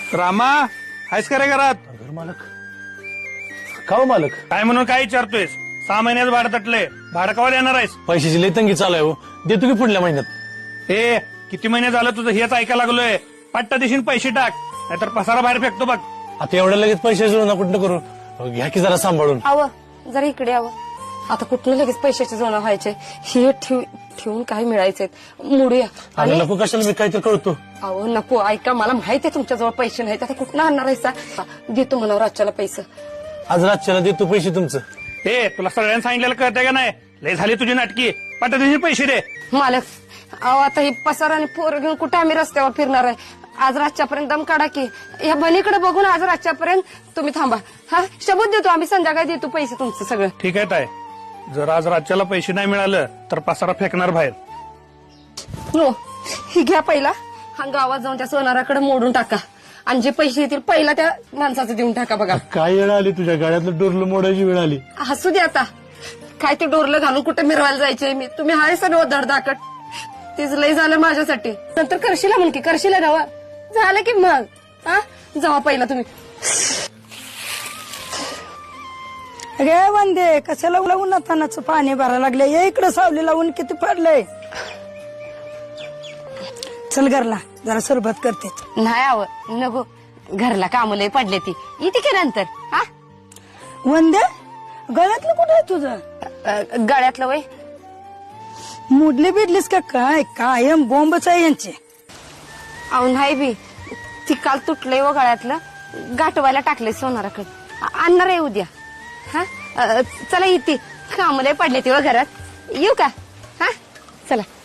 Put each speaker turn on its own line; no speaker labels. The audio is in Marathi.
रामा आहेस का रे घरात?
घर मालक का हो मालक?
काय म्हणून काय विचारतोयस? 6 महिन्यात भाडं तटलंय. भाडं कवायला येणार आहेस?
पैशाची लई तंगी चालू आहे हो. देतो की पुढल्या महिन्यात.
ए किती महिने झालं तुझं हेच ऐकायला लागलोय. पट्टा दिशीन पैसे टाक, नाहीतर पसारा बाहेर फेकतो बघ.
आता एवढ्या लगेच पैसे जुळून कुठं करू? घ्या की जरा सांभाळून.
जरा इकडे यावं. आता कुठनं लगेच पैशाचे जोडा व्हायचे? हे ठेवून काय मिळायचंय? मोडूया.
अरे नको कशाला, मी काहीतरी कळतो.
अहो नको, ऐका, मला माहिती आहे तुमच्याजवळ पैसे नाहीत. आता कुठनं आणणार आहे? देतो म्हणावं रातच्याला पैसे.
आज रातच्याला देतो पैसे तुमचं.
ए तुला सगळ्यांना सांगितलेलं कळतंय का नाही? लय झाली तुझी नाटकी. पट्टा दिशीन पैसे दे.
मालक अहो, आता ही पसार आणि पोरं घेऊन कुठे आम्ही रस्त्यावर फिरणार आहे? आज रातच्यापर्यंत दम काढा की. या बनीकडे बघून आज रातच्यापर्यंत तुम्ही थांबा. हा शबूत देतो आम्ही, संध्याकाळी देतो पैसे तुमचं सगळं.
ठीक आहे ताय, जर आज राज्याला पैसे नाही मिळालं तर पसारा फेकणार बाहेर.
हो, ही घ्या पहिला. हा गावात जाऊन त्या सोनाराकडे मोडून टाका आणि जे पैसे येतील पहिला त्या माणसाचं देऊन टाका. बघा
काय वेळ आली तुझ्या गाड्यातलं डोरलं मोडायची वेळ आली.
हसू दे आता. काय ते डोरलं घालून कुठे मिरवायला जायचे? मी तुम्ही हाय सगळं धडधाकट. तेच लय झालं माझ्यासाठी. नंतर करशीला म्हणकी, करशीला जावा. झालं की मग. हा जावा पहिला तुम्ही.
अरे वंदे, कशाला उन्हातानाचं पाणी भरायला लागले? ये इकडे, सावली लावून किती पडलंय. चल घरला, जरा सरबत करते.
नाही आव नको, घरला काम लय पडले ती. येते की नंतर. हा
वंदे, गळ्यातलं कुठं आहे तुझं?
गळ्यातलं वय
मुडली बिडलीस का काय? कायम बोंबच आहे यांचे.
अहो नाही बी, ती काल तुटलंय व गळ्यातलं. गाठवायला टाकलंय सोनाराकडे. आणणार आहे उद्या. हा चला, येते. काम लय पडले ती व घरात. येऊ का? हा चला.